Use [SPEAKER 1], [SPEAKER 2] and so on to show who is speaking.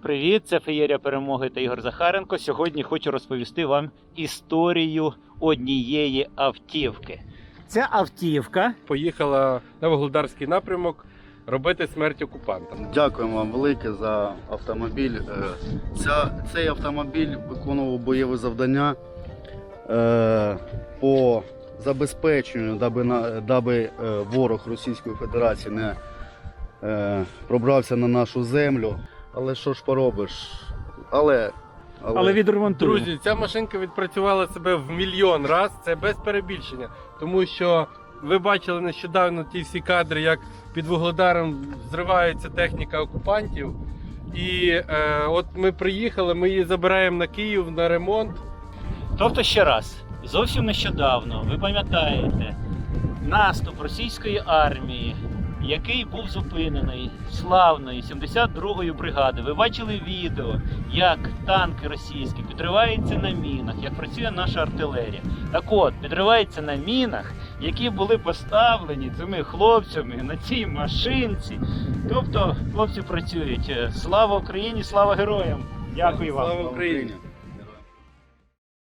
[SPEAKER 1] Привіт, це Феєрія Перемоги та Ігор Захаренко. Сьогодні хочу розповісти вам історію однієї автівки. Ця автівка
[SPEAKER 2] Поїхала на Вугледарський напрямок робити смерть окупантам.
[SPEAKER 3] Дякуємо вам велике за автомобіль. Цей автомобіль виконував бойові завдання по забезпеченню, даби ворог Російської Федерації не пробрався на нашу землю. Але що ж поробиш? Але
[SPEAKER 1] відремонтуємо.
[SPEAKER 2] Друзі, ця машинка відпрацювала себе в мільйон раз, це без перебільшення. Тому що ви бачили нещодавно ті всі кадри, як під Вугледаром зривається техніка окупантів. І от ми приїхали, ми її забираємо на Київ на ремонт.
[SPEAKER 1] Тобто ще раз, зовсім нещодавно, ви пам'ятаєте, наступ російської армії, який був зупинений славною 72-ю бригадою. Ви бачили відео, як танки російські підриваються на мінах, як працює наша артилерія. Так от, підривається на мінах, які були поставлені цими хлопцями на цій машинці. Тобто, хлопці працюють. Слава Україні, слава героям! Дякую вам!
[SPEAKER 2] Слава Україні!